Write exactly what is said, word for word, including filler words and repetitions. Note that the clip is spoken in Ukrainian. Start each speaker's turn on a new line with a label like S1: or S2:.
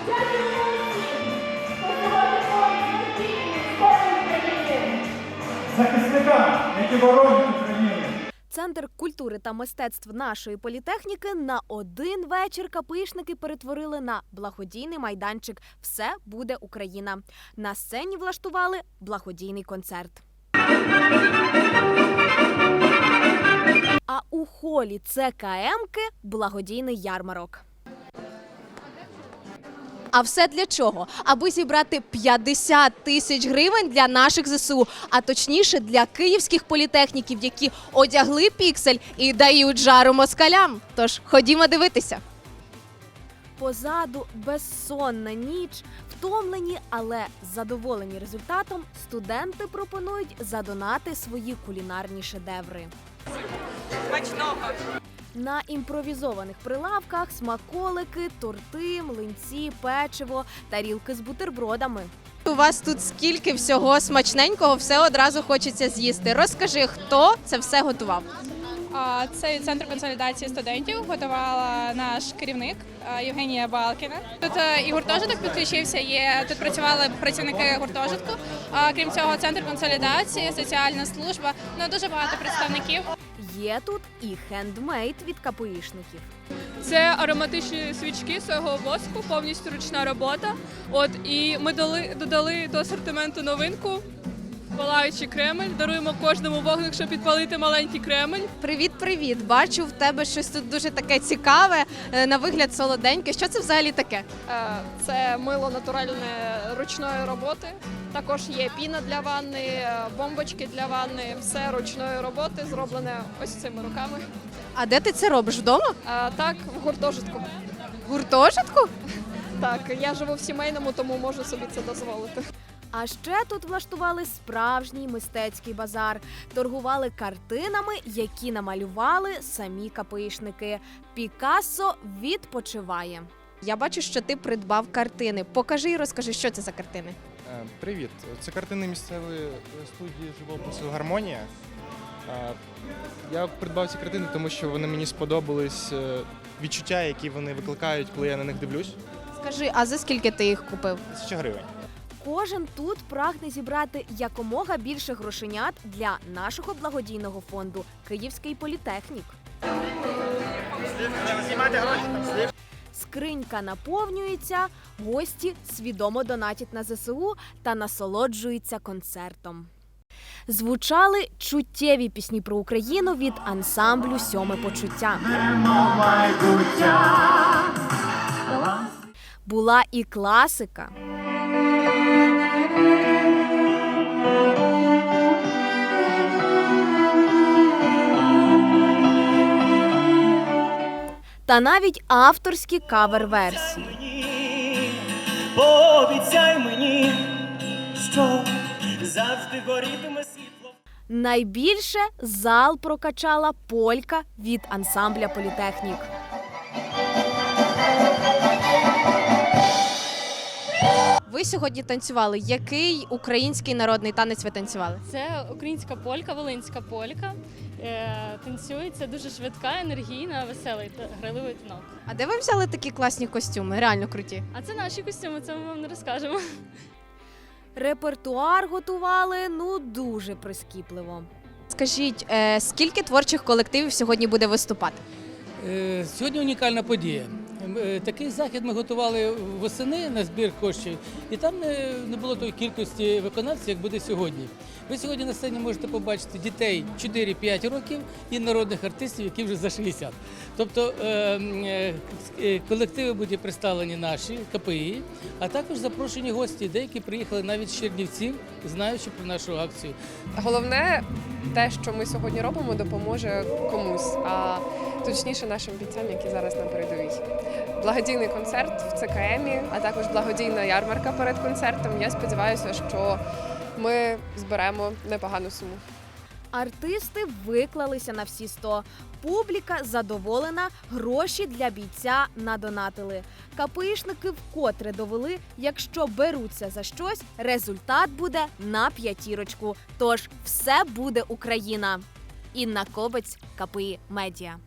S1: Захисникам, які боронять Україну.
S2: Центр культури та мистецтв нашої політехніки на один вечір КПІшники перетворили на благодійний майданчик «Все буде Україна». На сцені влаштували благодійний концерт. А у холі ЦКМки – благодійний ярмарок. А все для чого? Аби зібрати п'ятдесят тисяч гривень для наших ЗСУ, а точніше для київських політехніків, які одягли піксель і дають жару москалям. Тож ходімо дивитися. Позаду безсонна ніч, втомлені, але задоволені результатом, студенти пропонують задонати свої кулінарні шедеври.
S3: Смачного!
S2: На імпровізованих прилавках смаколики, торти, млинці, печиво, тарілки з бутербродами. У вас тут скільки всього смачненького, все одразу хочеться з'їсти. Розкажи, хто це все готував?
S4: Це Центр консолідації студентів, готувала наш керівник Євгенія Балкіна. Тут і гуртожиток підключився, є, тут працювали працівники гуртожитку. Крім цього, Центр консолідації, соціальна служба, ну дуже багато представників.
S2: Є тут і хендмейд від КПІшників.
S5: Це ароматичні свічки свого воску, повністю ручна робота. От, і ми дали, додали до асортименту новинку – палаючий кремель. Даруємо кожному вогник, щоб підпалити маленький кремель.
S2: Привіт-привіт! Бачу, в тебе щось тут дуже таке цікаве, на вигляд солоденьке. Що це взагалі таке?
S6: Це мило натуральне ручної роботи. Також є піна для ванни, бомбочки для ванни. Все ручної роботи, зроблене ось цими руками.
S2: А де ти це робиш? Вдома?
S6: А, так, в гуртожитку.
S2: В гуртожитку?
S6: Так, я живу в сімейному, тому можу собі це дозволити.
S2: А ще тут влаштували справжній мистецький базар. Торгували картинами, які намалювали самі КПІшники. Пікассо відпочиває. Я бачу, що ти придбав картини. Покажи і розкажи, що це за картини.
S7: Привіт, це картини місцевої студії живопису «Гармонія». Я придбав ці картини, тому що вони мені сподобались, відчуття, які вони викликають, коли я на них дивлюсь.
S2: Скажи, а за скільки ти їх купив?
S7: Тисяча гривень.
S2: Кожен тут прагне зібрати якомога більше грошенят для нашого благодійного фонду «Київський політехнік». Скринька наповнюється, гості свідомо донатять на ЗСУ та насолоджуються концертом. Звучали чуттєві пісні про Україну від ансамблю «Сьоме почуття». Була і класика. Та навіть авторські кавер-версії.
S8: Пообіцяй мені, що завжди горітиме світло.
S2: Найбільше зал прокачала полька від ансамбля «Політехнік». Ви сьогодні танцювали. Який український народний танець ви танцювали?
S9: Це українська полька, волинська полька. Е, танцюється дуже швидка, енергійна, весела і грайливий танок.
S2: А де ви взяли такі класні костюми? Реально круті.
S9: А це наші костюми, це ми вам не розкажемо.
S2: Репертуар готували, ну, дуже прискіпливо. Скажіть, е, скільки творчих колективів сьогодні буде виступати?
S10: Е, сьогодні унікальна подія. Такий захід ми готували восени на збір коштів, і там не, не було тої кількості виконавців, як буде сьогодні. Ви сьогодні на сцені можете побачити дітей чотири-п'ять років і народних артистів, які вже за шістдесят. Тобто е, е, колективи будуть представлені наші, КПІ, а також запрошені гості, деякі приїхали навіть з Чернівців, знаючи про нашу акцію.
S6: Головне, те, що ми сьогодні робимо, допоможе комусь, а точніше нашим бійцям, які зараз на передовій. Благодійний концерт в ЦКМі, а також благодійна ярмарка перед концертом. Я сподіваюся, що ми зберемо непогану суму.
S2: Артисти виклалися на всі сто. Публіка задоволена, гроші для бійця надонатили. КПІшники вкотре довели, якщо беруться за щось, результат буде на п'ятірочку. Тож все буде Україна. Інна Кобець, КПІ Медіа.